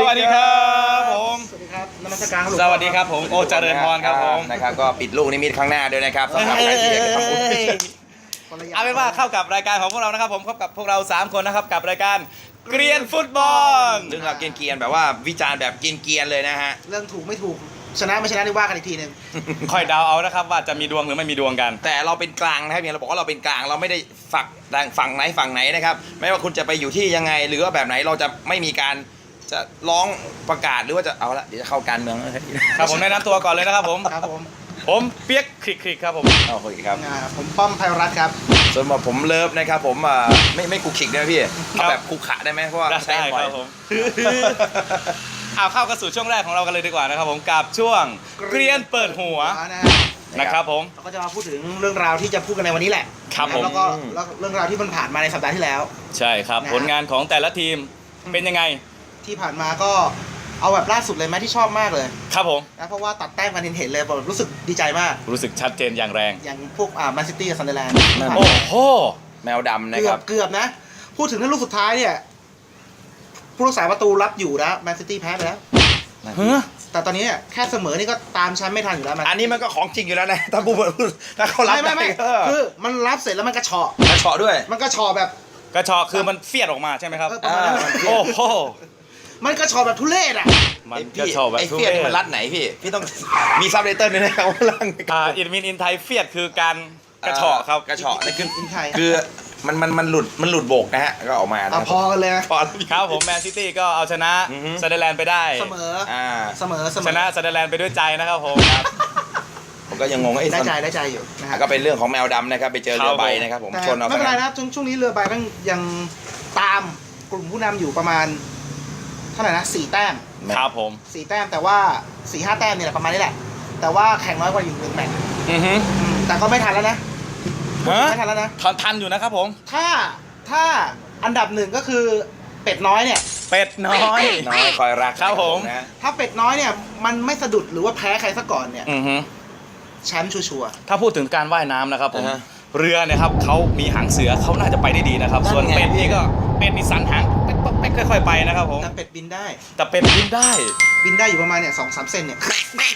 วัสดีครับผมสวัสดีครับนมัสการครับสวัสดีครับผมโอเจริญพรครับผมนะครับก็ปิดลูกนิมิตข้างหน้าด้วยนะครับสำหรับใครที่อยากจะทำบุญเอาเป็นว่าเข้ากับรายการของพวกเรานะครับผมพบกับพวกเรา3คนนะครับกับรายการเกรียนฟุตบอลซึ่งเราเกรียนๆแบบว่าวิจารณ์แบบเกรียนๆเลยนะฮะเรื่องถูกไม่ถูกชนะไม่ชนะนี่ว่ากันอีกทีหนึ่งค่อยเดาเอานะครับว่าจะมีดวงหรือไม่มีดวงกันแต่เราเป็นกลางนะครับเนี่ยเราบอกว่าเราเป็นกลางเราไม่ได้ฝั่งไหนนะครับไม่ว่าคุณจะไปอยู่ที่ยังไงหรือว่าแบบไหนเราจะไม่มีการจะร้องประกาศหรือว่าจะเอาละเดี๋ยวจะเข้าการเมืองแล้วครับผมแนะนำตัวก่อนเลยนะครับผมครับผมผมเปียกคลิกครับผมโอเคครับผมป้อมไพรัตน์ครับส่วนผมเลิฟนะครับผมไม่คุกขิกได้ไหมพี่เอาแบบคุกขะได้ไหมเพราะว่าใช้ได้บ่คอยรับผมเอาเข้ากันสู่ช่วงแรกของเรากันเลยดีกว่านะครับผมกับช่วงเกรียนเปิดหัวนะฮะนะครับผมเราก็จะมาพูดถึงเรื่องราวที่จะพูดกันในวันนี้แหละครับผมแล้วก็เรื่องราวที่มันผ่านมาในสัปดาห์ที่แล้วใช่ครับนะฮะผลงานของแต่ละทีมเป็นยังไงที่ผ่านมาก็เอาแบบล่าสุดเลยไหมที่ชอบมากเลยครับผมนะเพราะว่าตัดแต้มกันเห็นเลยแบบรู้สึกดีใจมากรู้สึกชัดเจนอย่างแรงอย่างพวกแมนซิตี้กับซันเดอร์แลนด์โอ้โหแมวดำนะเกืคอรับบ เกือบนะ พูดถึงในลูกสุดท้ายเนี่ยผู้รักษาประตูรับอยู่นะแมนซิตี้แพ้ไปแล้วเฮ้อแต่ตอนนี้เนี่ยแค่เสมอนี่ก็ตามแชมป์ไม่ทันอยู่แล้วอันนี้มันก็ของจริงอยู่แล้วนะถ้าถ้าเขารับไม่ได้คือมันรับเสร็จแล้วมันกระเฉาะกระเฉาะด้วยมันกระเฉาะแบบกระชอกคือมันเฟียดออกมาใช่ไหมครับประมาณนั้นโอ้โหมันกระเฉาะแบบทุเรศอ่ะมันกระชอกแบบไอ้ทุเฟียเรดมันศรัดไหนพี่ต้องมีซับไตเติลด้วยนะครับว่าลังอินมินอินไทยเฟียดคือการกระชอกครับกระเฉาะนี่คืออินไทยคือมันหลุดโบกนะฮะก็ออกมาอ่ะพอกันเลยนะพอครับผมแมนซิตี้ก็เอาชนะอือฮึซันเดอร์แลนด์ไปได้เสมออ่าเสมอชนะซันเดอร์แลนด์ไปด้วยใจนะครับผมผมก็ยังงงว่าไอ้ได้ใจอยู่นะฮะก็เป็นเรื่องของแมวดำนะครับไปเจอเรือใบนะครับผมแต่ชนเอาไม่เป็นไรนะครับช่วงนี้เรือใบก็ยังตามกลุ่มผู้นำอยู่ประมาณเท่าไหร่นะ4 แต้มครับผม 4 แต้มแต่ว่า4-5 แต้มเนี่ยแหละประมาณนี้แหละ แต่ว่าแข่งน้อยกว่าอยู่1 แมตช์อือฮึแต่ก็ไม่ทันแล้วนะฮะไม่ทันแล้วนะทันอยู่นะครับผมถ้าอันดับหนึ่งก็คือเป็ดน้อยเนี่ยเป็ดน้อยน้อยคอยรักครับผมนะถ้าเป็ดน้อยเนี่ยมันไม่สะดุดหรือว่าแพ้ใครซะก่อนเนี่ยอือฮึแชมป์ชัวร์ถ้าพูดถึงการว่ายน้ำนะครับผมเรือเนี่ยครับเขามีหางเสือเขาน่าจะไปได้ดีนะครับ ส่วนเป็ดนี่ก็เป็ดนี่สันหางเป๊กๆค่อยๆไปนะครับผมๆแต่เป็ดบินได้แต่เป็ดบินได้บินได้อยู่ประมาณเนี่ย2-3 เซนเนี่ย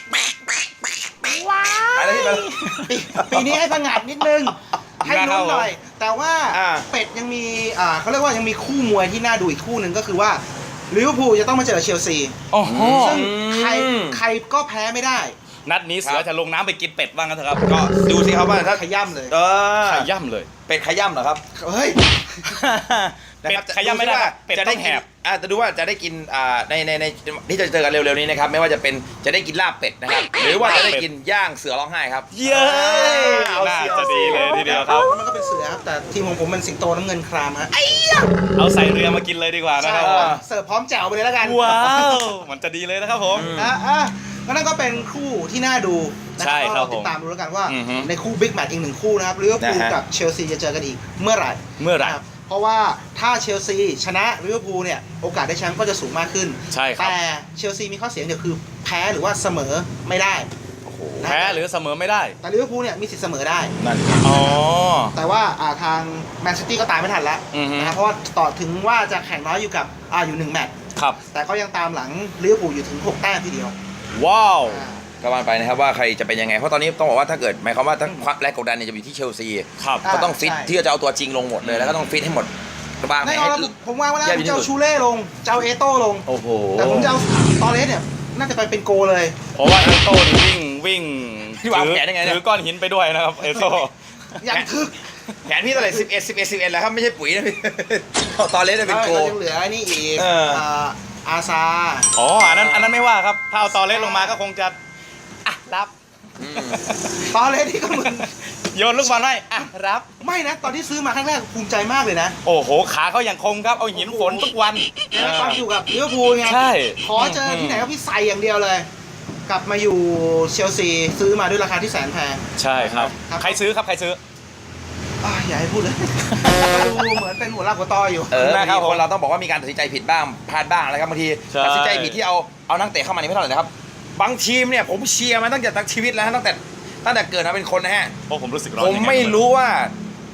อะไรที่มันปีนี้ให้ผงาดนิดนึง ให้ลุ้นหน่อย แต่ว่าอ่าเป็ดยังมีเขาเรียกว่ายังมีคู่มวยที่น่าดูอีกคู่หนึ่งก็คือว่าลิเวอร์พูลจะต้องมาเจอเชลซีโอ้โหซึ่งใครก็แพ้ไม่ได้นัดนี้เสือจะลงน้ำไปกินเป็ดบ้างกันเถอะครับก็ดูสิครับว่าถ้าขย้ำเลยขย่ำเลยเป็ดขย่ำเหรอครับเฮ้ยเป็ดขย่ำไม่ได้ครับเป็ดจะต้ได้องแหกินบจะดูว่าจะได้กินในที่จะเจอกันเร็วๆนี้นะครับไม่ว่าจะเป็นจะได้กินลาบเป็ดนะครับหรือว่าจะได้กินย่างเสือร้องไห้ครับเย้น่าจะดีเลยทีเดียวครับมันก็เป็นเสือครับแต่ทีมของผมเป็นสิงโตน้ำเงินครามฮะเอาใส่เรือมากินเลยดีกว่านะครับเสิร์ฟพร้อมแจ่วไปเลยแล้วกันว้าวมันจะดีเลยนะครับผมก็นั่นก็เป็นคู่ที่น่าดูนะใช่ก็ครับติดตามดูแล้วกันว่าอือฮึในคู่บิ๊กแมตช์อีก1 คู่นะครับลิเวอร์พูลนะฮะกับเชลซีจะเจอกันอีกเมื่อไหร่เมื่อไหร่นะครับเพราะว่าถ้าเชลซีชนะลิเวอร์พูลเนี่ยโอกาสได้แชมป์ก็จะสูงมากขึ้นใช่ครับแต่เชลซีมีข้อเสียเดียวคือแพ้หรือว่าเสมอไม่ได้แพ้หรือเสมอไม่ได้แต่ลิเวอร์พูลเนี่ยมีสิทธิ์เสมอได้นั่นอ๋อแต่ว่าทางแมนซิตี้ก็ตามไม่ทันแล้วอือฮึนะครับเพราะว่าต่อถึงว่าจะแข่งน้อยอยู่กับอยู่1 แมตช์ครับแต่ก็ยังตามหลังลิเวอร์พูลอยู่ถึง6 แต้มทีเดียวว้าวอ่าก็ว่าไปนะครับว่าใครจะเป็นยังไงเพราะตอนนี้ต้องบอกว่าถ้าเกิดหมายความว่าทั้งความแรงกดดันเนี่ยจะอยู่ที่เชลซีครับอ่าก็ต้องฟิตใช่ที่จะเอาตัวจริงลงหมดเลยแล้วก็ต้องฟิตให้หมดบางไหนแน่นอนให้แล้วผมวางไว้แล้วแย่ที่จะเอาสุดชูเล่ลงจะเอาเอโต้ลงโอ้โหแต่ผมจะเอาตอเลสเนี่ยน่าจะไปเป็นโกเลยเพราะว่าเอโต้นี่วิ่งพี่วางแผนยังไงเนี่ยถือก้อนหินไปด้วยนะครับเอโต้อย่างทึกแผนพี่เท่าไหร่11แล้วครับไม่ใช่ปุ๋ยนะพี่ ตอนเล่นเป็นโกเรายังเหลือไอ้นี่อีกเอออาซาอ๋ออันนั้นไม่ว่าครับถ้าเอาตอเล็กลงมาก็คงจะรับตอเลสที่ก็มึงโยนลูกบอลให้รับไม่นะ ตอนที่ซื้อมาครั้งแรกภูมิใจมากเลยนะโอ้โหขาเขาอย่างคมครับเอาหินฝนทุกวันตอนอยู่กับลิเวอร์พูลไงใช่ขอเจอที่ไหนก็พี่ใส่อย่างเดียวเลย กลับมาอยู่เชลซีซื้อมาด้วยราคาที่แสนแพงใช่ครับครับใครซื้อครับใครซื้ออย่าให้พูดเลย ดูเหมือนเป็นหัวลากหัวตออยู่นะครับบางทีคนเราต้องบอกว่ามีการตัดสินใจผิดบ้างพลาดบ้างนะครับบางทีใช่ตัดสินใจผิดที่เอานักเตะเข้ามานี่ไม่เท่าไหร่นะครับบางทีมเนี่ยผมเชียร์มาตั้งแต่ชีวิตแล้วนะตั้งแต่เกิดมาเป็นคนนะฮะเพราะผมรู้สึกร้อนผมไม่รู้ว่า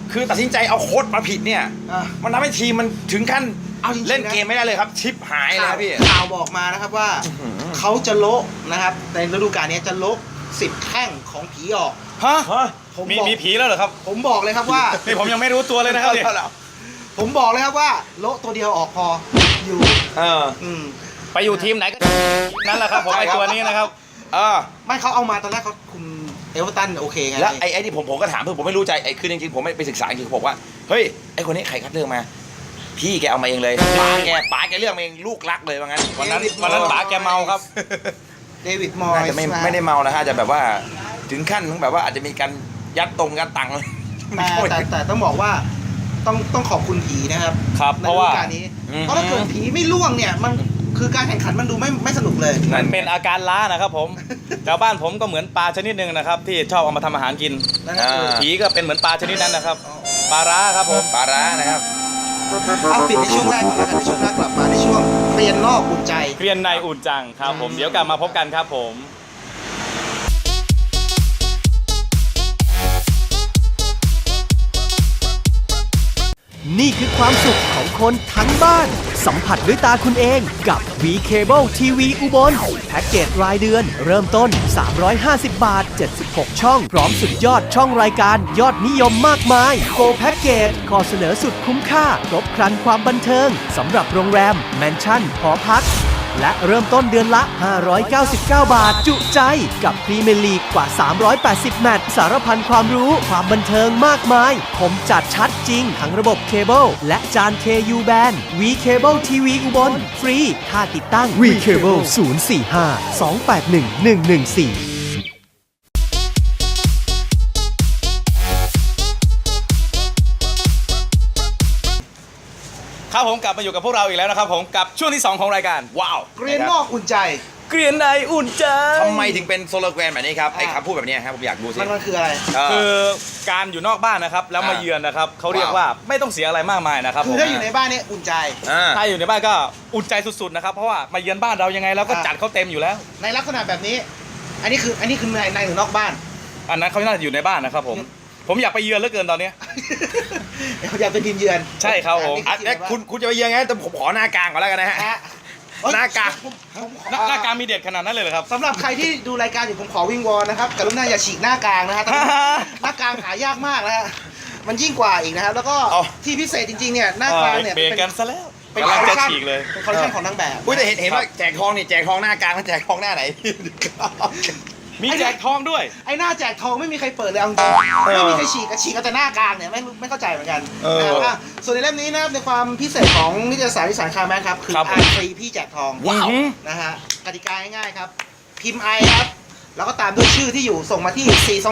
คือตัดสินใจเอาโค้ดมาผิดเนี่ยอ่ะมันทำให้ทีมมันถึงขั้นเอาจริงๆนะเล่นเกมไม่ได้เลยครับ ชิปหายเลยครับพี่ข่าวบอกมานะครับว่าเขาจะโละนะครับในฤดูกาลนี้จะโละ10 แข้งของผีออกฮะผมมีบอกมีผีแล้วเหรอครับผมบอกเลยครับว่านี่ผมยังไม่รู้ตัวเลยนะครับเนี่ยผมบอกเลยครับว่าโละตัวเดียวออกพออยู่เอออืมไปอยู่ทีมไหนก็ทีมนั่นแหละครับผมไอตัวนี้นะครับเออไม่เขาเอามาตอนแรกเขาคุมเอเวอร์ตันโอเคไงแล้วไอ้ที่ผมก็ถามเพื่อนผมไม่รู้ใจไอ้คือจริงๆผมไม่ไปศึกษาจริงๆผมบอกว่าเฮ้ยไอ้คนนี้ใครคัดเลือกมา พี่แกเอามาเองเลยป๋าแกเลือกมาเองลูกรักเลยว่างั้นวันนั้นป๋าแกเมาครับเดวิดมอยน่าส์จะไม่ได้เมานะฮะจะแบบว่าถึงขั้นถึงแบบว่าอาจจะมีการยัดตังค์แต่ต้องบอกว่าต้องขอบคุณผีนะครับครับในเพราะฤว่าดูกาลนี้เพราะถ้าเกิดผีไม่ล่วงเนี่ยมันคือการแข่งขันมันดูไม่สนุกเลยมันเป็นอาการล้านะครับผมแถวบ้านผมก็เหมือนปลาชนิดหนึ่งนะครับที่ชอบเอามาทำอาหารกินนั่นก็คือผีก็เป็นเหมือนปลาชนิดนั้นนะครับปลาร้าครับผมปลาร้านะครับเอาปิดในช่วงแรกก่อนแล้วกันในช่วงแรกกลับมาในช่วงเรียนนอกอุ่นใจเกรียนในอุ่นจังครับผมเดี๋ยวกลับมาพบกันครับผมนี่คือความสุขของคนทั้งบ้าน สัมผัสด้วยตาคุณเองกับ V Cable TV อุบลแพ็กเกจรายเดือน เริ่มต้น 350 บาท 76 ช่อง พร้อมสุดยอดช่องรายการยอดนิยมมากมาย Go Package ข้อเสนอสุดคุ้มค่า ครบครันความบันเทิงสำหรับโรงแรม แมนชั่นหอพัก และเริ่มต้นเดือนละ 599 บาท จุใจกับพรีเมียร์ลีกกว่า 380 แมตช์สารพันความรู้ความบันเทิงมากมายคมจัดชัดจริง ทั้งระบบเคเบิลและจาน KU Band V Cable TV อุบลฟรีค่าติดตั้ง V Cable 045 281 114 ครับผมกลับมาอยู่กับพวกเราอีกแล้วนะครับผมกับช่วงที่ 2 ของรายการว้าวเรียนนอกอุ่นใจเกรียนในอุ่นใจทำไมถึงเป็นโซโลแกนแบบนี้ครับไอ้คำพูดแบบนี้ครับผมอยากดูสิมันคืออะไรคือการอยู่นอกบ้านนะครับแล้วมาเยือนนะครับเขาเรียกว่าไม่ต้องเสียอะไรมากมายนะครับคือผมถ้าอยู่ในบ้านเนี่ยอุ่นใจถ้าอยู่ในบ้านก็อุ่นใจสุดๆนะครับเพราะว่ามาเยือนบ้านเรายังไงเราก็จัดเขาเต็มอยู่แล้วในลักษณะแบบนี้ อันนี้คือในหรือนอกบ้านอันนั้นเขาน่าจะอยู่ในบ้านนะครับผมอยากไปเยือนเหลือเกินตอนนี้อยากเป็นทีมเยือนใช่ครับผมอ่ะแล้วคุณจะไปยังไงแต่ผมขอหน้ากลางก่อนแล้วกันนะฮะนะฮะหน้ากากหน้ากลางมีเด็ดขนาดนั้นเลยเหรอครับสำหรับใครที่ดูรายการอยู่ผมขอวิงวอนนะครับกรุณาอย่าฉีกหน้ากลางนะฮะ หน้ากลางหายากมากนะฮะมันยิ่งกว่าอีกนะครับแล้วก็เอาที่พิเศษจริงๆเนี่ยหน้ากลางเนี่ยเบรกกันซะแล้วเป็นกำคลัองลเลจะคชั่นฉีกเลยเป็นคอลเลคชั่นของนางแบบอุ้ยแต่เห็นว่าแจกทองนี่แจกทองหน้ากลางแล้วแจกทองหน้าไหนมีแจกทองด้วยไอ้หน้าแจกทองไม่มีใครเปิดเลยเอาจริงไม่มีใครฉีกเอาแต่หน้ากลางเนี่ยไม่เข้าใจเหมือนกันนะครับอ่ะส่วนในเล่มนี้นะครับในความพิเศษของนิตยสารวิสารคาร์แมนครับคือครับผมอ่านฟรีพี่แจกทองว้าวนะฮะกติกาง่ายๆครับ พิมพ์ I ครับ แล้วก็ตามด้วยชื่อที่อยู่ส่งมาที่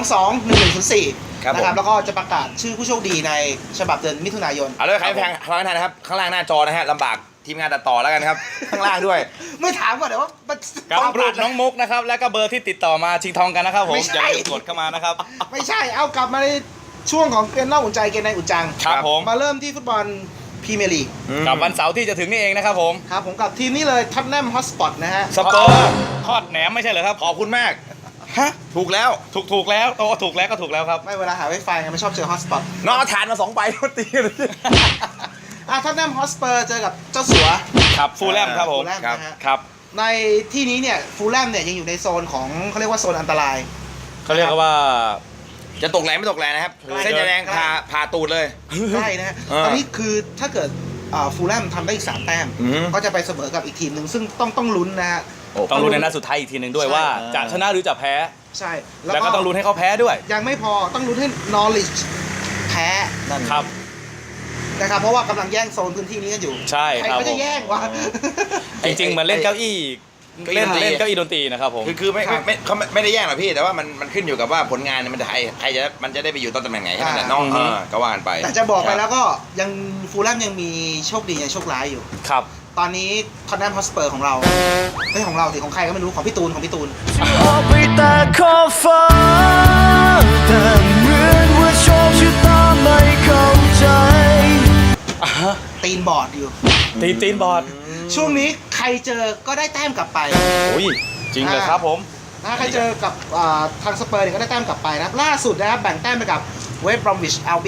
422-1104 ครับผมนะครับแล้วก็จะประกาศชื่อผู้โชคดีในฉบับเดือนมิถุนายนเอาเลยใครแพงข้างล่างนะครับข้างล่างหน้าจอนะฮะลำบากทีมงานตัดต่อแล้วกันครับ ข้างล่างด้วยไม่ถามก่อนเดี๋ยวว่ามันกับต้องรูปน้องมุกนะครับแล้วก็เบอร์ที่ติดต่อมาชิงทองกันนะครับผมไม่ใช่อย่าลืมกดเข้ามานะครับไม่ใช่เอากลับมาในช่วงของเกมนอกอุ่นใจเกมในอุ่นจังครับผมมาเริ่มที่ฟุตบอลพรีเมียร์ลีกกับวันเสาร์ที่จะถึงนี่เองนะครับผมครับผมกับทีมนี้เลยท็อตแนมฮอตสปอตนะฮะสเปอร์ทอดแหนมไม่ใช่เหรอครับขอบคุณมากฮะถูกแล้วถูกแล้วโอ้ถูกแล้วก็ถูกแล้วครับไม่เวลาหาไวไฟไงไม่ชอบเจอฮอตสปอตน้องเอาฐานมา2 ใบตีเลยท็อตแนมฮอตสเปอร์เจอกับเจ้าสัวครับฟูลแลมครับผมฟูลแลมนะฮะครับในที่นี้เนี่ยฟูลแลมเนี่ยยังอยู่ในโซนของเขาเรียกว่าโซนอันตรายเขาเรียกว่าจะตกแรงไม่ตกแรงนะครับ เส้นจะแรงผ่าตูดเลยใช่นะฮะ ตอนนี้คือถ้าเกิดฟูลแลมทำได้อีก3 แต้มอือฮึก็จะไปเสมอกับอีกทีมหนึ่งซึ่งต้องลุ้นนะฮะต้องลุ้นในนัดสุดท้ายอีกทีหนึ่งด้วยใช่ว่าจะชนะหรือจะแพ้ใช่แล้วก็ต้องลุ้นให้เขาแพ้ด้วยยังไม่พอต้องลุ้นให้นอริชแพ้ครับนะครับเพราะว่ากำลังแย่งโซนพื้นที่นี้กันอยู่ใช่ใครครับก็จะแย่งวะจริงๆเหมือนเล่นเก้าอี้เก้าอี้เล่นดนตรีเล่นเก้าอี้ดนตรีนะครับผมคือเขาไม่ได้แย่งหรอกพี่ แต่ว่ามันขึ้นอยู่กับว่าผลงานเนี่ยมันจะใครจะมันจะได้ไปอยู่ตำแหน่งไหนแค่นั้นแหละน้องก็ว่ากันไปแต่จะบอกไปแล้วก็ยังฟูลแลมยังมีโชคดียังโชคร้ายอยู่ครับตอนนี้ท็อตแนมฮอตสเปอร์ของเราไม่ของเราสิของใครก็ไม่รู้ของพี่ตูนออกไปแต่ขอบฟ้าแต่เหมือนว่าโชคชะตาไม่เข้าใจตีนบอร์ดอยู่ตีนบอร์ดช่วงนี้ใครเจอก็ได้แต้มกลับไปโอ้ยจริงเลยครับผมนะใครเจอกับทางสเปอร์เนี่ยก็ได้แต้มกลับไปนะครับล่าสุดนะครับแบ่งแต้มไปกับเวสต์บรอมวิชอัลเบียน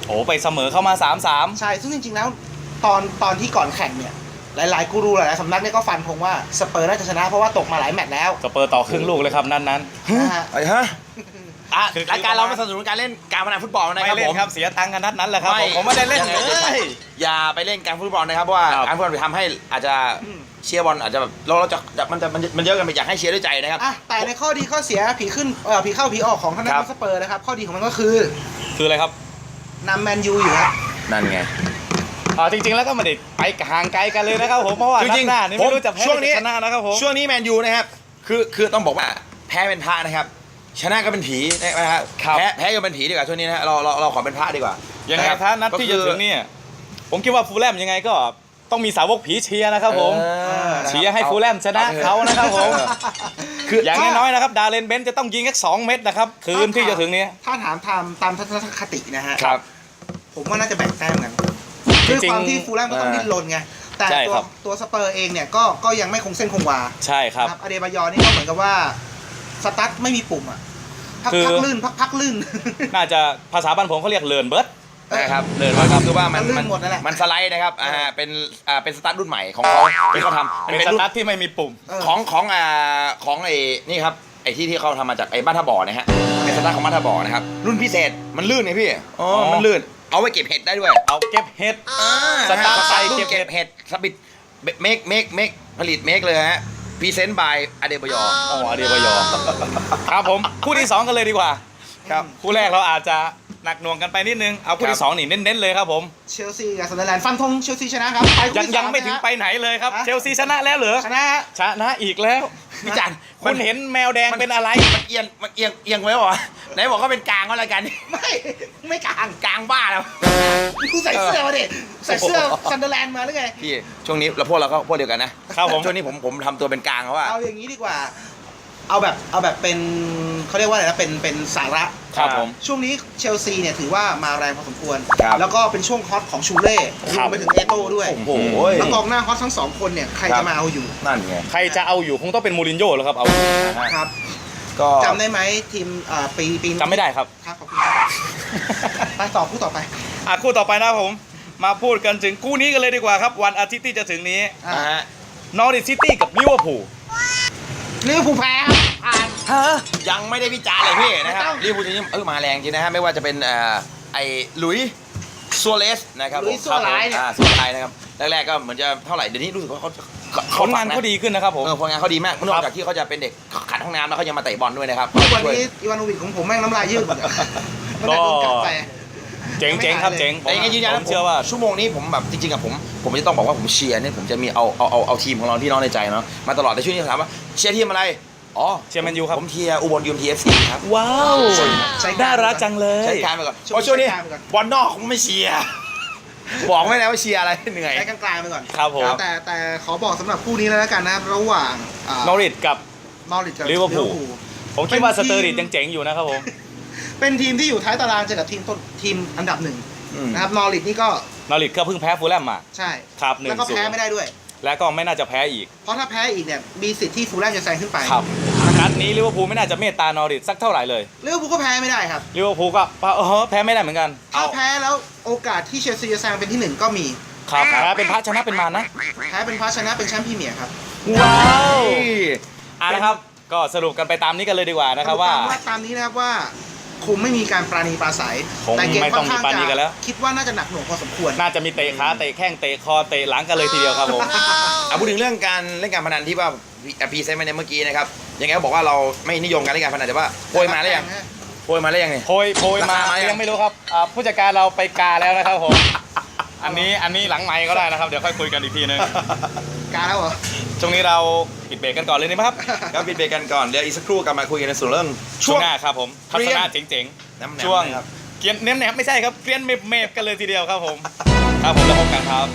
โอ้ไปเสมอเข้ามา 3-3 ใช่ซึ่งจริงๆแล้วตอนที่ก่อนแข่งเนี่ยหลายๆกูรูหลายๆสำนักเนี่ยก็ฟันธงว่าสเปอร์น่าจะชนะเพราะว่าตกมาหลายแมตช์แล้วสเปอร์ต่อครึ่งลูกเลยครับนั้นนะฮะไอ้ฮะคือรายการเราไม่สนับสนุนการเล่นการพนันฟุตบอลๆนะไม่ครับเล่ผนมครับเสียตังค์กันนัดนั้นแหละครับผมไม่ได้เล่นเลยอย่าไปเล่นการฟุตบอลนะครับเพราะว่าครับการฟุตบอลไปทำให้อาจจะเชียร์บอลอาจจะแบบเราจะมันเยอะกันไปอยากให้เชียร์ด้วยใจนะครับอ่ะแต่ในข้อดีข้อเสียผีขึ้นผีเข้าผีออกของทางด้าครันบสเปอร์นะครับข้อดีของมันก็คือคืออะไรครับนำแมนยูอยู่ครับนั่นไงจริงๆแล้วก็ไม่ได้ไปห่างไกลกันเลยนะครับผมเพราะว่านัดหน้านี่ไม่รู้จะแพ้หรือชนะนะครับผมช่วงนี้แมนยูนะครับคือต้องบอกว่าแพ้เป็นพระนะครับ ชนะก็เป็นผีนะครับครับแพ้ก็เป็นผีดีกว่าช่วงนี้นะเราขอเป็นพระดีกว่ายังไงะครับถ้านัดที่จะถึงเนี่ยผมคิดว่าฟูลแลมยังไงก็ต้องมีสาวกผีเชียร์นะครับผม เชียร์ให้ฟูลแลมชนะเขานะครับผมคืออย่างน้อยๆนะครับดาเลนเบนจะต้องยิงแค่2 เม็ดนะครับคืนที่จะถึงนี้ถ้าถามตามทัศนคตินะฮะครับผมว่าน่าจะแบ่งแต้มกันจริด้วยงๆความที่ฟูลแลมก็ต้องดิ้นรนไงแต่ใช่ตัวครับตัวสเปอร์เองเนี่ยก็ยังไม่คงเส้นคงวาใช่ครับอเดบายอนี่ก็เหมือนกับว่าสตาร์ทไม่มีปุ่มอ่ะพักคือลื่นพักลื่นน่าจะภาษาบ้านผมเขาเรียกเลินเบิร์ดนะครับเดินมาคือว่ามันลื่นหมดนั่นแหละมันสไลด์นะครับเป็นสตาร์ทรุ่นใหม่ของเขาที่เขาทำเป็นสรุ่นตาร์ทที่ไม่มีปุ่มเออของไอ้นี่ครับไอ้ที่เขาทำมาจากไอ้บ้านท่าบ่อนะฮะเป็นสตาร์ทของบ้านท่าบ่อนะครับรุ่นพิเศษมันลื่นไงพี่อ๋ออ๋อมันลื่นเอาไว้เก็บเห็ดได้ด้วยเอาเก็บเห็ด สตาร์ทใส่รุ่นเก็เก็บบ เห็เห็ดดสปิดเมคผลิตเมคเลยฮะพรีเซนต์บายอเดบยออ๋ออเดียบยอครับผมคู่ที่ 2 กันเลยดีกว่าครับคู่แรกเราอาจจะหนักหน่วงกันไปนิดนึงเอาคู่ที่ 2 นี่เน้นๆเลยครับผมเชลซีกับซันเดอร์แลนด์ฟันธงเชลซีชนะครับไปคู่ยังที่ยังสาไม่ถึงนะฮะไปไหนเลยครับฮะเชลซีชนะแล้วเหรอชนะฮะชนะอีกแล้วพี่จันคุณเห็นแมวแดงเป็นอะไรมันเอียงไว้เหรอไหนบอกว่าเป็นกลางก็แล้วกันไม่กลางกลางบ้าแล้วกูใส่เสื้อมาดิใส่เสื้อซันเดอร์แลนด์มาหรือไงพี่ช่วงนี้เราพวกเดียวกันนะครับผมช่วงนี้ผมทำตัวเป็นกลางเขาว่าเอาอย่างนี้ดีกว่า เอาแบบเป็นเขาเรียกว่าอะไรนะเป็นสาระครับผมช่วงนี้เชลซีเนี่ยถือว่ามาแรงพอสมควรครับแล้วก็เป็นช่วงฮอตของชูเล่รครัวบมไปถึงเอโต้ด้วยโอ้โหแล้วกองหน้าฮอตทั้งสองคนเนี่ยใครครัจะบมาเอาอยู่นั่นไงใครจะเอาอยู่คงต้องเป็นมูรินโญ่แล้วครับเอาอยู่ครับก็จำได้ไหมทีมปีจำไม่ได้ครับครับขอบคุณครับไปต่อคู่ต่อไปคู่ต่อไปนะครับผมมาพูดกันถึงคู่นี้กันเลยดีกว่าครับวันอาทิตย์ที่จะถึงนี้อ่ะอ่าฮะนอริทซิตี้กับลิเวอร์พูลลิเวอร์พูลแพ้ครับผ่านยังไม่ได้วิจารณ์เลยพี่นะครับไม่ต้องลิเวอร์พูลทีนี้มาแรงจริงนะฮะไม่ว่าจะเป็นไอ้หลุยส์ซัวเรสนะครับหลุยส์ซัวไลส์เนี่ยซัวไลส์นะครับแรกๆก็เหมือนจะเท่าไหร่เดี๋ยวนี้รู้สึกว่าเขาผลงานเขาดีขึ้นนะครับผมผลงานเขาดีมากนอกจากที่เขาจะเป็นเด็กขัดห้องน้ำแล้วเขายังมาเตะบอลด้วยนะครับทุกวันช่วยนี้อีวานโนวิชของผมแม่งน้ำลายยืดหมดอะมันได้โดนกัดไปเจ๋งๆครับเจ๋งแต่ยังไงยืนยันผนะมเชื่อว่าชั่วโมงนี้ผมแบบจริงๆกับผมจะต้องบอกว่าผมเชียร์เนี่ยผมจะมีเอาทีมของเราที่น้องในใจเนาะมาตลอดแต่ช่วงนี้ถามว่าเชียร์ทีมอะไรอ๋อเชียร์แมนยูครับผมเชียร์อุบลยูมทีเอฟซีครับว้าวใช้น่ารักจังเลยใช้การไปก่อนเพราะช่วงนี้ใช้การไปก่อนบอลนอกผมไม่เชียร์บอกไม่ได้ว่าเชียร์อะไรเหนื่อยใช้กลางๆไปก่อนครับผมแต่ขอบอกสำหรับคู่นี้แล้วกันนะระหว่างนอริทกับนอริทกับลิเวอร์พูล ผมคิดว่าสเตอร์ริดยังเจ๋งอยู่นะครับผมเป็นทีมที่อยู่ท้ายตารางเจอกับทีมอันดับหนึ่งอืมนะครับนอริทนี่ก็นอริทก็เพิ่งแพ้ฟูลแลมมาใช่ครับแล้วก็ 1-0 แพ้ไม่ได้ด้วยและก็ไม่น่าจะแพ้อีกเพราะถ้าแพ้อีกเนี่ยมีสิทธิ์ที่ฟูลแลมจะแซงขึ้นไปครับนัดนี้ลิเวอร์พูลไม่น่าจะเมตตานอริทสักเท่าไหร่เลยลิเวอร์พูลก็แพ้ไม่ได้ครับลิเวอร์พูลก็แพ้ไม่ได้เหมือนกันถ้าแพ้แล้วโอกาสที่เชลซีจะแซงเป็นที่หนึ่งก็มีครับแพ้เป็นพระชนะเป็นมารนะแพ้เป็นเพราะชนะเป็นแชมป์พรีเมียร์ครับว้าวนะครับ ก็สรุปกันไปตามนี้กันเลยดีกว่านะครับว่าตามนี้นะครับว่าคงไม่มีการปราณีปราศัยคงแต่เกมไม่ค่ต้อองนข้างมีปราณีกันแล้วคิดว่าน่าจะหนักหน่วงพอสมควรน่าจะมีเตะขาเตะแข้งเตะคอเตะหลังกันเลยทีเดียวครับผมพูดถึงเรื่องการเล่นการพนันที่ว่าพีเซนต์มาในเมื่อกี้นะครับยังไงก็บอกว่าเราไม่นิยมการเล่นการพนันแต่ว่าโพยมาแล้วยังโพยมาแล้วยังเนี่ยโพยมาราคามายังยังไม่รู้ครับผู้จัดการเราไปกาแล้วนะครับผม อันนี้หลังไมค์ก็ได้นะครับ เดี๋ยวค่อยคุยกันอีกทีนึงการแล้วเหรอช่วงนี้เราปิดเบรกกันก่อนเลยดีไหมครับครับปิดเบรกกันก่อนเดี๋ยวอีกสักครู่กลับมาคุยกันในส่วนเรื่องช่วงหน้าครับผมทัศนะเจ๋งน้ำๆ ช่วงนะครับเกียนเน้มแหนมไม่ใช่ครับเกรียนเมฟกันเลยทีเดียวครับผม ครับผมแล้วพบกันครับ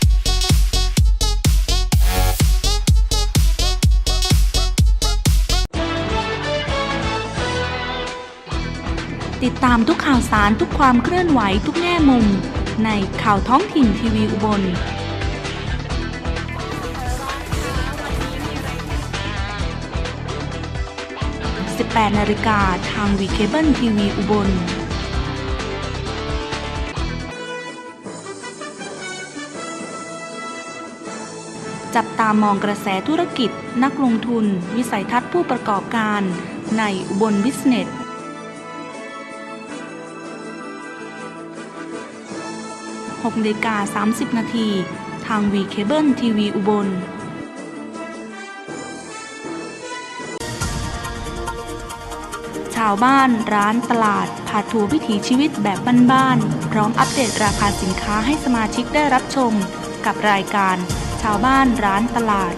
ติดตามทุกข่าวสารทุกความเคลื่อนไหวทุกแง่มุม ในข่าวท้องถิ่นทีวีอุบล 18 นาฬิกาทางวีเคเบิลทีวีอุบลจับตามองกระแสธุรกิจ นักลงทุน วิสัยทัศน์ผู้ประกอบการในอุบลบิสเนส 6:30 นาทีทางวีเคเบิลทีวีอุบลชาวบ้านร้านตลาดพาทัวร์วิถีชีวิตแบบบ้านๆพร้อมอัปเดตราคาสินค้าให้สมาชิกได้รับชมกับรายการชาวบ้านร้านตลาด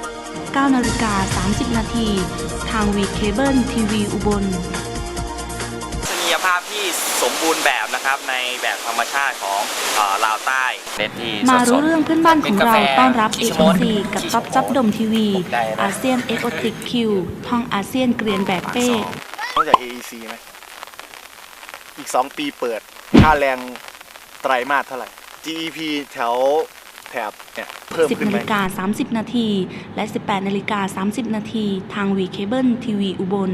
9:30 นาทีทางวีเคเบิลทีวีอุบลทัศนียภาพที่สมบูรณ์แบบนะครับในแบบธรรมชาติของลาวใต้เน้นที่มาสรู้ดเรื่องเพื่อนบ้านของเราต้อนรับอิส AOC โมนกับจ๊อบจ๊อบดมทีวีอาเซียนเอ็กโอติกคิวท่องอาเซียนเกรียนแบบเป้นอกจาก AEC ไหมอีก 2 ปีเปิด ค่าแรงไตรมาสเท่าไหร่ GEP แถบเนี่ยเพิ่มขึ้นไหม 10:30 นาทีและ 18:30 นาทีทางวีเคเบิลทีวีอุบล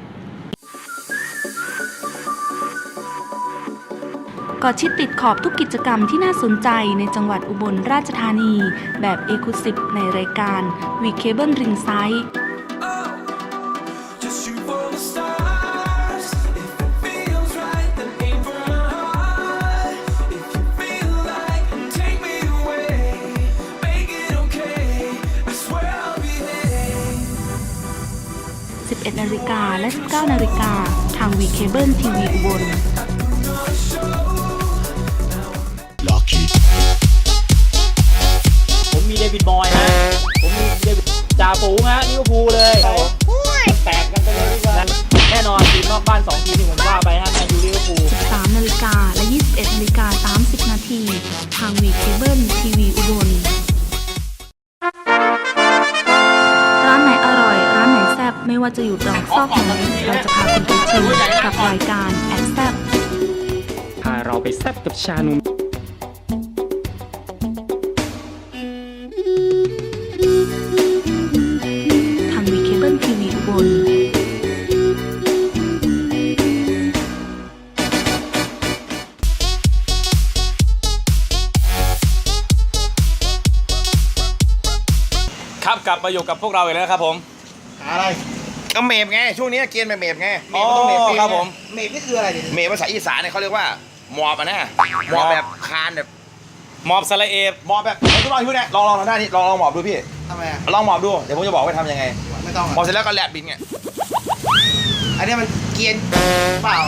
เกาะชิดติดขอบทุกกิจกรรมที่น่าสนใจในจังหวัดอุบลราชธานีแบบเอกลุศิในรายการวีเคเบิลริงไซด์ Just shoot for the stars. If it feels right, then aim for the heart. If you feel like, take me away. Make it okay. I swear I'll be there. 11:00 นและ 19:00 นทางวีเคเบิลทีวีอุบลผมมีเดวิดบอยนะ ผมมีเดวิดจ่าฝูงฮะลิเวอร์พูลเลยแตกกันไปเลยดีกว่าแน่นอนทีมนอกบ้าน 2 ทีมที่ผมว่าไปฮะแมนยูลิเวอร์พูล 13:00 นและ 21:30 นาทีทางวีเคเบิลทีวีอุบลร้านไหนอร่อย ร้านไหนแซ่บไม่ว่าจะอยู่ตรอกซอกไหนเราจะพาคุณไปชิมกับรายการแอบแซ่บพาเราไปแซ่บกับชานมทางวีเคเบิลทีวีอุบลครับกลับมาอยู่กับพวกเราอีกแล้วนะครับผมหาอะไรก็เมฟไง ช่วงนี้เกณฑ์เมฟไงเมฟมันต้องเมฟฟรีครับผมเมฟนี่คืออะไรดิเมฟภาษาอีสานเนี่ยเขาเรียกว่าหมอบอ่ะนะหมอบแบบคานแบบมอบสละเอฟหมอบแบบทดลองพูดเนี่ยลองทำท่านี้ลองหมอบดูพี่ทำไมอ่ะลองหมอบดูเดี๋ยวผมจะบอกว่าทำยังไงไม่ต้องหมอบอ่ะเสร็จแล้วก็แลบบินไงอันนี้มันเกรียนเปล่า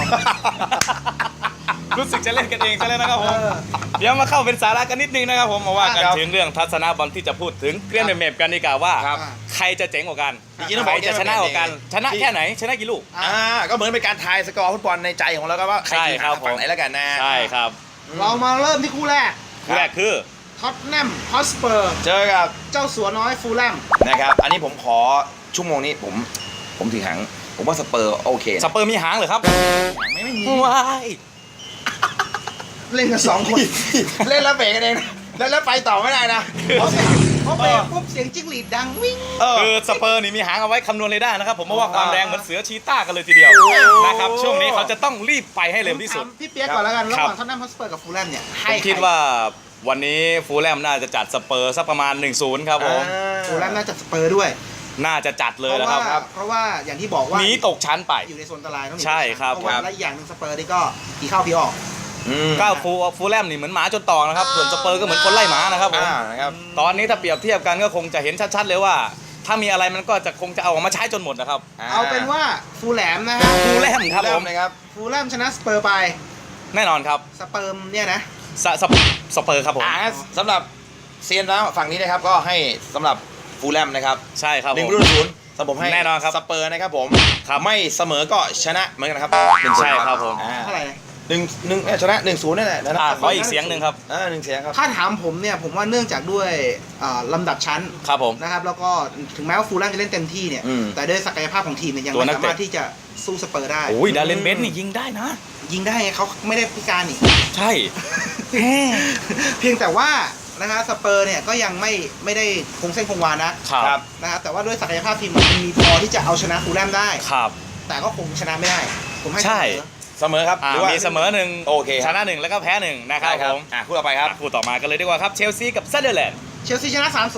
รู้สึกจะเล่นกันเองซะแล้วนะครับผมเออเดี๋ยวมาเข้าเป็นสาระกันนิดนึงนะครับผมมาว่ากันครับถึงเรื่องทัศนบอลที่จะพูดถึงเกรียนเมฟกันดีกว่าว่าครับใครจะเจ๋งกว่ากันจริงๆต้องใคบรอกจะชนะกว่ากัน ชนะที่แค่ไหนชนะกี่ลูกก็เหมือนเป็นการทายสกอร์ฟุตบอลในใจของเราก็ว่าใครใช่ทีมครับฝั่งไหนแล้วกันนะใช่ครับเรามาเริ่มที่คู่แรกคู่แรกคือท็อตแนมฮอตสเปอร์เจอกับเจ้าสัวน้อยฟูลแลมนะครับ อันนี้ผมขอชั่วโมงนี้ผมถือหางผมว่าสเปอร์โอเคสเปอร์มีหางเหรอครับไม่มีว้ายเล่นกัน2 คนเล่นแล้วเบรกกันเองนะแล้วไปต่อไม่ได้นะพอเบรกปุ๊บเสียงจิ้งหรีดดังวิ่งคือสเปอร์นี่มีหางเอาไว้คำนวณเรดาร์นะครับผมเพราะว่าความแรงเหมือนเสือชีต้ากันเลยทีเดียวนะครับช่วงนี้เขาจะต้องรีบไปให้เร็วที่สุดถามพี่เปียกก่อนแล้วกันระหครับว่างท็อตแนมฮอตสเปอร์กับฟูลแลมเนี่ยผให้มคิดว่าวันนี้ฟูลแลมน่าจะจัดสเปอร์สักประมาณ 1-0 ครับผมฟูลแลมน่าจะสเปอร์ด้วยน่าจะจัดเลยเพราะนะคว่ารับเพราะว่าอย่างที่บอกว่าหนีตกชั้นไปอยู่ในโซนอันตรายต้องหนีใช่ครับเพราะว่าและอีกอย่างหนึ่งสเปอร์นี่ก็ผีเข้าผีออกก็ฟูลแลมนี่เหมือนหมาจนตอกนะครับส่วนสเปอร์ก็เหมือนคนไล่หมานะครับผมนะครับตอนนี้ถ้าเปรียบเทียบกันก็คงจะเห็นชัดๆเลยว่า ถ้ามีอะไรมันก็จะคงจะเอาออกมาใช้จนหมดนะครับเอาเป็นว่าฟูลแลมนะฮะฟูลแลมครับผมนะครับฟูลแลมชนะสเปอร์ไปแน่นอนครับสเปิร์มเนี่ยนะสเปอร์ครับผมสำหรับเซียนแล้วฝั่งนี้นะครับก็ให้สำหรับฟูลแลมนะครับใช่ครับหนึ่ผงมรุ่นศูนย์สำหรับผมให้แน่นอนครับสเปอร์นะครับผมครับไม่เสมอก็ชนะเหมือนกันครับใช่ครับผมเท่าไหร่นะหนึ่งชนะ1-0นั่นแหละนะขออีกเสียงหนึ่งครับ 1 เสียงครับถ้าถามผมเนี่ยผมว่าเนื่องจากด้วยลำดับชั้นครับผมนะครับแล้วก็ถึงแม้ว่าฟูลแลมจะเล่นเต็มที่เนี่ยอืมแต่ด้วยศักยภาพของทีมเนี่ยยังตัวไม่นักสาเตะมารถที่จะสู้สเปอร์ได้โอ้ยดาเลนเบนนี่ยิงได้นะยิงได้ไงเขาไม่ได้พิการอีกใช่เพียงแต่ว่านะครับสเปอร์เนี่ยก็ยังไม่ได้คงเส้นคงวานะครับ นะครับแต่ว่าด้วยศักยภาพทีมมันมีพอที่จะเอาชนะฟูลแลมได้ครับแต่ก็คงชนะไม่ได้ ผมให้ใช่เสมอเสมอครับหรือว่ามีเสมอหนึ่งโอเคครับชนะหนึ่งแล้วก็แพ้หนึ่งนะครับได้ผมคู่ต่อไปครับคู่ต่อมากันเลยดีกว่าครับเชลซีกับซันเดอร์แลนด์เชลซีชนะ 3-0 ครับ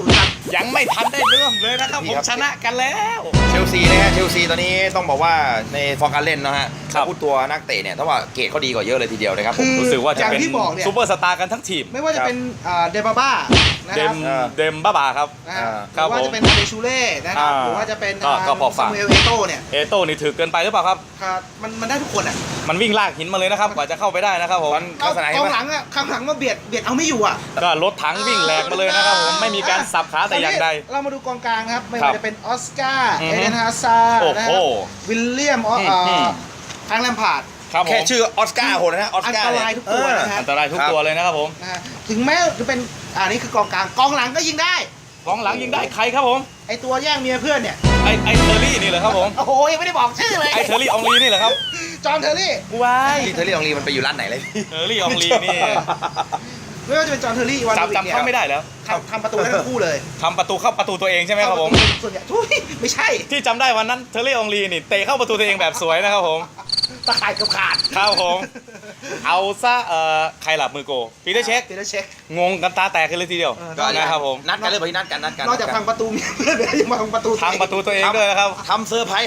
ยังไม่ทันได้เริ่มเลยนะครับผมชนะกันแล้วเชลซีนะฮะเชลซีตอนนี้ต้องบอกว่าในฟอร์มการเล่นนะฮะครับพูดตัวนักเตะเนี่ยถ้าว่าเกรดเขาดีกว่าเยอะเลยทีเดียวนะครับผมรู้สึกว่าจะเป็นอย่างที่บอกเนี่ยซูเปอร์สตาร์กันทั้งทีมไม่ว่าจะเป็นเดบาบ้านะเดครัมบเดมบ้าบาครับนะฮะหครัรืบอว่าผมจะเป็นอาเดชูเล่นะครับอ่าหรือว่าจะเป็นก็พอฝากซามูเอลเอโต้เนี่ยเอโต้นี่ถือเกินไปหรือเปล่าครับครับมันได้ทุกคนอ่ะมันวิ่งลากหินมาเลยนะครับกว่าจะเข้าไปได้นะครับผมลักษณะกเห็นองไหมหลังอ่ะข้างหลังมาเบียดเอาไม่อยู่อ่ะก็รถถังวิ่งแหลกมาเลยนะครับผมไม่มีการสับขาแต่อย่างใดเรามาดูกองกลางครับ ไม่ครัว่าบจะเป็นออสการ์อือเอฮึเดนฮาซาร์โอ้นะโหครับวิลเลียมแฟรงค์แลมพาร์ดครับผมแค่ชื่อออสการ์โหดนะออสอันการ์ตเนี่รายทุกตัวนะฮะอันตรายทุกตัวเลยนะครับผมนะฮะถึงแม้จะเป็นนี่คือกองกลางกองหลังก็ยิงได้กองหลังยิงได้ใครครับผมไอตัวแย่งเมียเพื่อนเนี่ยไอเทอร์รี่นี่เหรอครับผมโอ้โหยังไม่ได้บอกชื่อเลยไอเทอร์รี่อองลีนี่เหรอครับจอห์นเทอร์รี่ว้ายที่เทอรี่องลีมันไปอยู่ร้านไหนเลยเทอร์รี่อองลีนี่ไม่ว่าจะเป็นจอห์นเทอร์รี่อีวานโนวิชจำเขาไม่ได้แล้วทำประตูได้ทั้งคู่เลยทำประตูเข้าประตูตัวเองใช่ไหมครับผมส่วนใหญ่ทุยไม่ใช่ที่จำได้วันนั้นเทอร์รี่อองลีนี่เตะเข้าประตูตัวเองแบบสวยนะครับผมตะข่ายเกับขาดครับผมเอาซะใครหลับมือโกปีเตอร์เช็คปีเตอร์เช็คงงกันตาแตกกันเลยทีเดียวก็นะครับผมนัดกันเลยพอที่นัดกันนอกจากพังประตูเมียเพื่อนแล้วยังมาพังประตูทางประตูตัวเองด้วยนะครับทำเซอร์ไพรส์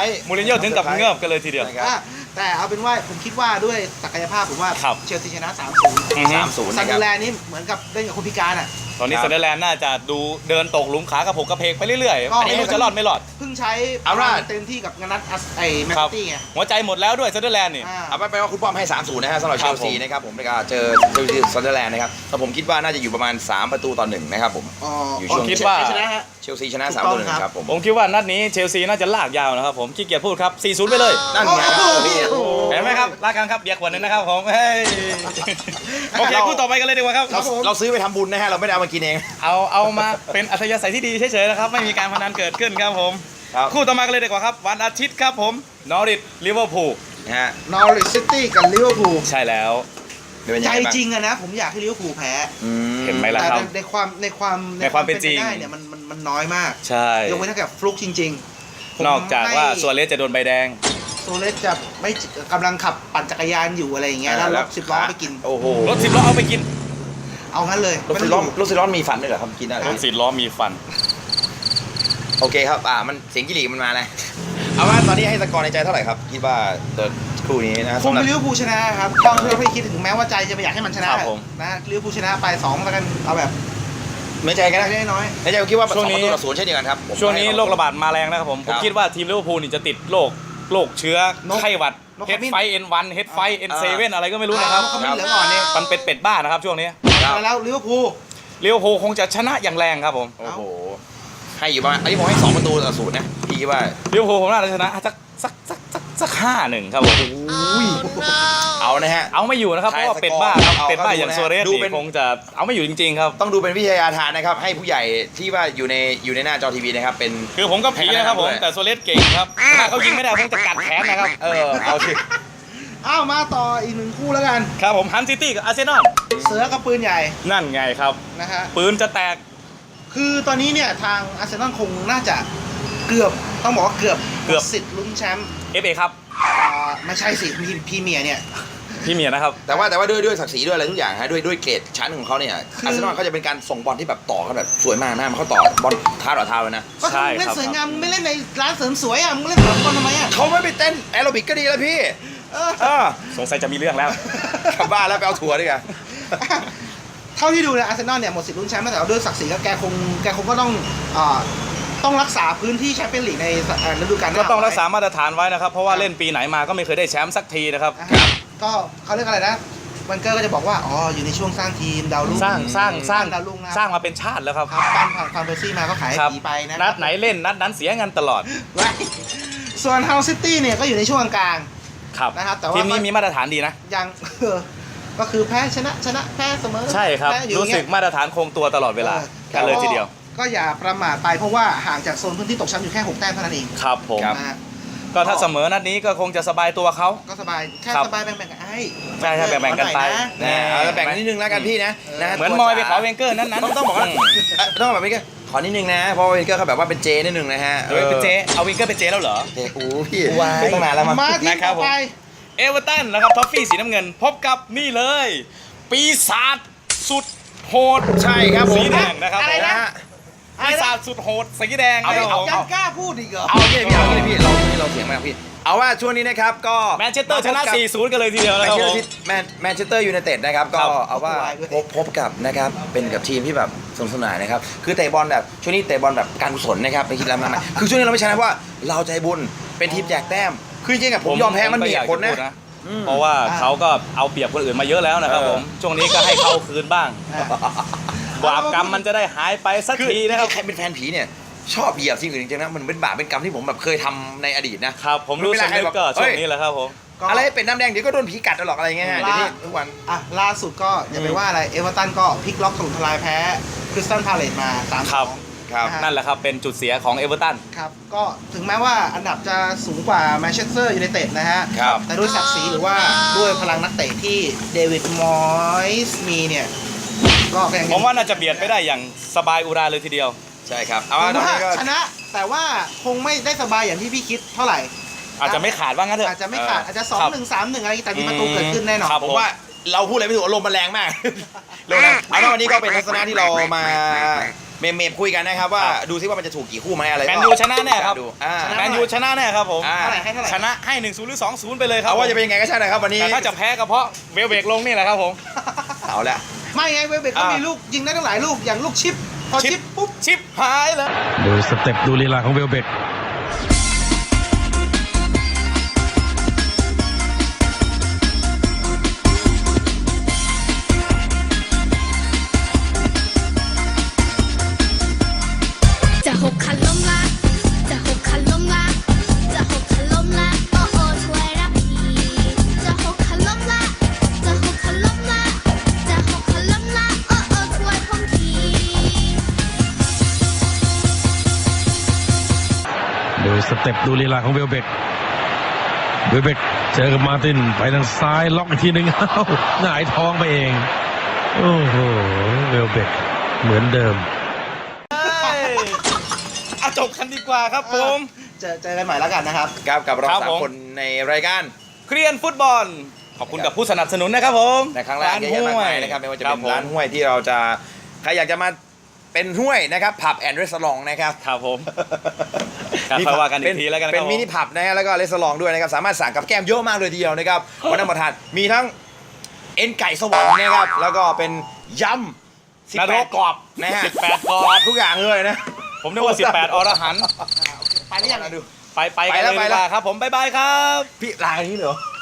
มูรินโญ่ถึงกับเงือบกันเลยทีเดียวนะครับแต่เอาเป็นว่าผมคิดว่าด้วยศักยภาพผมว่าครับเชลซีชนะ 3-0 อือฮึ 3-0 ซันะนคเดรัอบ ร์แลนด์นี่เหมือนกับเล่นกับคนพิการอ่ะตอนนี้ครับซันเดอร์แลนด์น่าจะดูเดินตกหลุมขากระผกกระเพกไปเรื่อยก็ๆไม่รู้จะรอดไม่รอดเพิ่งใช้เอาล่ะเต็มที่กับงานนัดไอ้แมนครับตี้ไงหัวใจหมดแล้วด้วยซันเดอร์แลนด์นี่อ่าเอาไปว่าคุณป้อมให้ 3-0 นะฮะสำหรับคเชรับลซีนะครับผมก็เจอเชลซีซันเดอร์แลนด์นะครับแต่ผมคิดว่าน่าจะอยู่ประมาณ 3-1 นะครับผม อยู่ช่วงคิดว่าชนะฮะเชลซีชนะถูกต้อง 3-1 ครับผมผมคิดว่านัดนี้เชลซีน่าจะลากยาวนะครับผมขี้เกียจพูดครับ 4-0 ไปเลยนั่นไงครับพี่โอ้โหเห็นไหมครับลากกันครับเบียร์ขวดหนึงนะครับผมเฮ้ยโอเคคู่ต่อไปกันเลยดีกว่าครับเราซื้อไปทำบุญนะฮะเราไม่ได้เอามากินเองเอามาเป็นอัธยาศัยที่ดีเฉยๆนะครับไม่มีการพนันเกิดขึ้นครับผมครับคู่ต่อมากันเลยดีกว่าครับวันอาทิตย์ครับผมนอริทลิเวอร์พูลนะฮะนอริทซิตี้กับลิเวอร์พูลใช่แล้วเป็นยังใจไงบ้างจริงอะนะ ผมอยากให้ลิเวอร์พูลแพ้เห็นไหมล่ะแต่ครับในความเป็นจริงได้เนี่ยมันน้อยมากใช่ยกเว้นถ้าเกิดฟลุกจริงๆผมนอกจากว่าให้ซัวเรสจะโดนใบแดงโซเลสจะไม่กำลังขับปั่นจักรยานอยู่อะไรอย่างเงี้ยแล้วรถ10 ล้อไปกินโอ้โหรถ10 ล้อเอาไปกินเอางั้นเลยรถสิบล้อรถสิบล้อมีฟันด้วยเหรอครับกินได้เหรรอถ10 ล้อมีฟันโอเคครับมันเสียงกิริมันมาเลยเอาว่าตอนนี้ให้สกอร์ในใจเท่าไหร่ครับคิดว่าตัวคู่นี้นะคงสำหรับเป็นลิเวอร์พูลชนะครับต้องเพื่อให้คิดถึงแม้ว่าใจจะไม่อยากให้มันชนะครับผมนะลิเวอร์พูลชนะไป2แล้วกันเอาแบบไม่ใจกันนะได้น้อยในใจผมคิดว่าช่วงนี้ 2-0เช่นเดียวกันครับผมช่วงนี้ให้โรคระบาดมาแรงนะครับผมคผรัมบคิดว่าทีมลิเวอร์พูลนี่จะติดโรคเชื้อไข้หวัดนกเฮขดมิ้นไฟ N1 เฮดไฟ N7 อะไรก็ไม่รู้นะครับเขาไม่เหลืองอ่อนเนี่ยมันเป็นเป็ดบ้านะครับช่วงนี้แล้วลิเวอร์พูลลิเวอร์พูลคงจะชนะอย่างแรงครับผมโอ้โหให้อยู่ประมาณอันนี้ผมให้2-0นะพี่คิดว่าลิเวอร์พูลผมน่าจะชนะสัก5-1ครับผมเอานะฮะเอาไม่อยู่นะครับเพราะว่าเป็ดบ้าครับเอาเป็ดบ้าเอาอย่างดูนะซัวเรสดูเป็นนี่คงจะเอาไม่อยู่จริงๆครับต้องดูเป็นวิทยาทานนะครับให้ผู้ใหญ่ที่ว่าอยู่ในหน้าจอทีวีนะครับเป็นคือผมก็ผีนะครับผมให้คะแนนด้วยแต่ซัวเรสเก่งครับถ้าเขายิงไม่ได้ผมจะกัดแขนนะครับเอาสิอ้าวมาต่ออีกหนึ่งคู่แล้วกันครับผมฮันซิตี้กับอาร์เซนอลเสือกับปืนใหญ่นั่นไงครับนะฮะปืนจะแตกคือตอนนี้เนี่ยทางอาร์เซนอลคงน่าจะเกือบต้องบอกว่าเกือบสิทธิ์ลุ้นแชมป์ FA ครับไม่ใช่สิพรีเมียร์เนี่ยพี่เมียนะครับแต่ว่าด้วยศักดิ์ศรีด้วยอะไรทุกอย่างฮะด้วยเกรดชั้นของเขาเนี่ยอาร์เซนอลเขาจะเป็นการส่งบอลที่แบบต่อกันแบบสวยมากนะมันเขาต่อบอลเท้าต่อเท้าเลยนะก็ใช่คือเล่นครับสวยงามมึงไม่เล่นในร้านเสริมสวยอ่ะมึงเล่นสามคนทำไมอ่ะเขาไม่ไปเต้นแอโรบิกก็ดีแล้วพี่เออสงสัยจะมีเรื่องแล้วกลับบ้านแล้วไปเอาถั่วดีกว่าเท่าที่ดูเนี่ยอาร์เซนอลเนี่ยหมดสิทธิ์ลุ้นแชมป์แต่ว่าด้วยศักดิ์ศรีก็แกคงก็ต้องรักษาพื้นที่แชมเปี้ยนลีกในฤดูกาลหน้าก็ต้องรักษามาตรฐานไว้นะครับ เพราะว่าเล่นปีไหนมาก็ไม่เคยได้แชมป์สักทีนะครับครับก็เขาเรียกอะไรนะวันเกอร์ก็จะบอกว่าอ๋ออยู่ในช่วงสร้างทีมดาวรุ่งสร้างดาวรุ่งนะสร้างมาเป็นชาติแล้วครับครับปั้นผ่านเบอร์ซี่มาก็ขายให้ครับผีไปนะนัดไหนเล่นนัดนั้นเสียเงินตลอดไว้ส่วนเฮาซิตี้เนี่ยก็อยู่ในช่วงกลางครับนะครับแต่ว่าทีมนี้มีมาตรฐานดีนะยัง ก็คือแพ้ชนะแพ้เสมอใช่ครับแพ้อยู่อรู้ย่างสึเงี้กยมาตรฐานคงตัวตลอดเวลากันเลยทีเดียวก็อย่าประมาทไปเพราะว่าห่างจากโซนพื้นที่ตกชั้นอยู่แค่6 แต้มเท่านั้นเองครับผมนะฮะก็ถ้าเสมอนัดนี้ก็คงจะสบายตัวเขาก็สบายแค่ครับสบายแบ่งๆกันไอ้ใช่ใช่แบ่งๆกันไปขอหอยะนะเอาแบ่งนิดนึงแล้วกันพี่นะนะเหมือนมอยไปขอเวนเกอร์นั้นๆต้องบอกว่าต้องแบบนี้ก็ขอนิดนึงนะเพราะเวนเกอร์เขาแบบว่าเป็นเจนิดนึงนะฮะโดยเป็นเจเอาเวนเกอร์เป็นเจแล้วเหรอเจโอ้พี่ไม่ต้องนานแล้วมั้งมาทีมนะครับต่อไปเอเวอร์ตันนะครับท็อฟฟี่สีน้ำเงิน พบกับนี่เลย ปีศาจสุดโหดใช่ครับผมสีแดงนะครับอะไรนะผมปีศาจสุดโหดสีแดงเอาครับผมยังกล้าพูดอีกเหรอเอางี้พี่เราเสียงมากพี่เอาว่าช่วงนี้นะครับก็แมนเชสเตอร์ชนะ 4-0 กันเลยทีเดียวนะครับผมแมนเชสเตอร์ยูไนเต็ดนะครับก็ครับเอาว่าพบกับนะครับเป็นกับทีมที่แบบสนุกสนานนะครับคือเตะบอลแบบช่วงนี้เตะบอลแบบการกุศลนะครับไม่คิดอะไรมากมายคือช่วงนี้เราไม่ชนะเพราะว่าเราใจบุญเป็นทีมแจกแต้มคือจริงๆอะผมยอมแพ้มันมีเหตุผลนะเพราะว่าเขาก็เอาเปรียบคนอื่นมาเยอะแล้วนะครับผมช่วงนี้ก็ให้เขาคืนบ้างบาปกรรมมันจะได้หายไปสักคือทีนะครับใครเป็นแฟนผีเนี่ยชอบเหยียบสิ่งอื่นจริงๆนะมันเป็นบาปเป็นกรรมที่ผมแบบเคยทำในอดีตนะครับผมรู้สึกนึกก็ช่วงนี้แหละครับผมอะไรเป็นน้ำแดงเดี๋ยวก็โดนผีกัดตลอดอะไรเงี้ยเดี๋ยวนี้ทุกวันอ่ะล่าสุดก็อย่าไปว่าอะไรเอเวอร์ตันก็พลิกล็อกถล่มทลายแพ้คริสตัลพาเลตมาครับ 3-2 ครับนั่นแหละครับเป็นจุดเสียของเอเวอร์ตันครับก็ถึงแม้ว่าอันดับจะสูงกว่าแมนเชสเตอร์ยูไนเต็ดนะฮะครับแต่ด้วยศักดิ์ศรีหรือว่าด้วยพลังนักเตะที่เดวิดมอยส์มีเนี่ยก็ยังผมว่าน่าจะเบียดไปได้อย่างสบายอุราเลยทีเดียวใช่ครับเอาผมว่าตอนว่านี้ก็ชนะแต่ว่าคงไม่ได้สบายอย่างที่พี่คิดเท่าไหร่อาจจะไม่ขาดว่างั้นเถอะอาจจะไม่ขาดอาจจะครับ 2-1 3-1 อะไรแต่มีประตูเกิดขึ้นแน่นอนครับผมว่าเราพูดอะไรไม่ถูกอารมณ์มันแรงมาก ลงนะเอาว่าวันนี้ก็เป็นทัศนะที่เรามาเมมคุยกันนะครับว่าดูซิว่ามันจะถูกกี่คู่ไหมอะไรแมนยูชนะแน่ครับดูแมนยูชนะแน่ครับผมอ่าเท่าไหร่ให้เท่าไหร่ชนะให้ 1-0 หรือ 2-0 ไปเลยครับเอาว่าจะเป็นยังไงก็ใช่นะครับวันนี้แต่ถ้าจะแพ้ก็เพราะเวลเบกลงนี่แหละครับผมเอาละไม่ไงเวลเบกก็มีลูกยิงได้ตั้งหลายลูกอย่างลูกชิปพอชิปปุ๊บชิปหายเลยดูสเต็ปดูลีลาของเวลเบกจะหกคันล้มละจะหกคันล้มละจะหกคันล้มละโอ้โอ้ช่วยรับทีจะหกคันล้มละจะหกคันล้มละจะหกคันล้มละโอ้โอ้ช่วยผมทีดูสเต็ปดูลีลาของเวลเบกเจอกับมาร์ตินไปทางซ้ายล็อกอีกทีหนึ่ง เอ้าหงายท้องไปเอง โอ้โหเวลเบกเหมือนเดิมเอาจบกันดีกว่าครับผมเจอกันใหม่แล้วกันนะครับครับกับเราครับสามผมคนในรายการเคลียนฟุตบอล ขอบคุณกับผู้สนับสนุนนะครับผมในครั้งแรกเยอะแยะมากมายนะครับไม่ว่าจะเป็นร้านคบผมห้วยที่เราจะใครอยากจะมาเป็นห้วยนะครับผับแอนด์รีสอร์ทนะครับครับผม ครับค่อยว่ากันอีกทีแล้วกันนะครับเป็นมินิผับนะฮะแล้วก็รีสอร์ทด้วยนะครับสามารถสั่งกับแก้มเยอะมากเลยทีเดียวนะครับวันนั้นมาทานมีทั้งเอ็นไก่สวรรค์นะครับแล้วก็เป็นยำนรก 18กรอบนะฮะ 18กรอบทุกอย่างเลยนะผมนึกว่า 18 อรหันต์ไปหรือยังดูไปกันเลยดีกว่าครับผม บ๊ายบายครับพี่ลากันนี้เหรอ